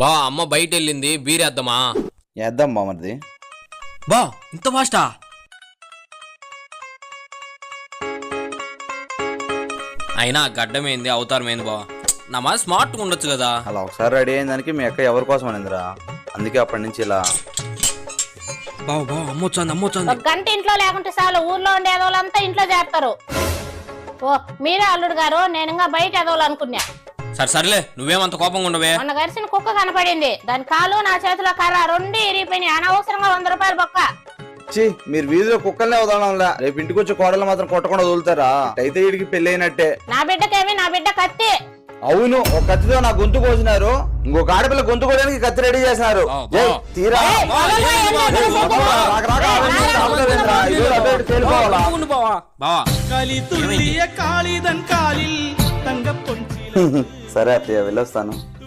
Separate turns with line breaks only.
బా అమ్మ బయట వెళ్ళింది, బీరేద్దామా?
వేద్దాం బామర్ది.
బా ఇంత ఫాస్టా?
అయినా గడ్డమేంది అవతారమేంది బా, నా మా స్మార్ట్గా ఉండొచ్చు కదా.
అలా ఒకసారి రెడీ అయిన దానికి మీ అక్క ఎవరి కోసం అనిందిరా, అందుకే అప్పటి నుంచి ఇలా.
బావు బావు అమ్మొచ్చాంది.
ఒక గంట ఇంట్లో లేకుంటే చాలు, ఊర్లో ఉండే ఎదవులంతా ఇంట్లో చేస్తారు. ఓ మీరే అల్లుడు గారు, నేను ఇంకా బయట ఎదవులు అనుకున్నా.
సర్లే నువ్వేమంత కోపంగా ఉండవే.
మొన్న గరిసిన కుక్క కనపడింది, దాని కాలు నా చేతిలో కర్ర రెండు ఇరిగిపోయినాయి. అనవసరంగా 100 రూపాయలు బొక్క.
ఛీ, మీరు వీధిలో కుక్కల్నే వదలడంలా, రేపు ఇంటికి వచ్చి కోడలు మాత్రం కొట్టకుండా వదులుతారా? అయితే వీడికి పెళ్లి అయినట్టే.
నా బిడ్డకేమి, నా బిడ్డ కత్తి.
అవును, ఒక కత్తితో నా గొంతు కోసినారు, ఇంకొక ఆడపిల్ల గొంతు కోయడానికి కత్తి రెడీ చేసినారు. తీరా సరే అత్తయ్య వెళ్ళొస్తాను.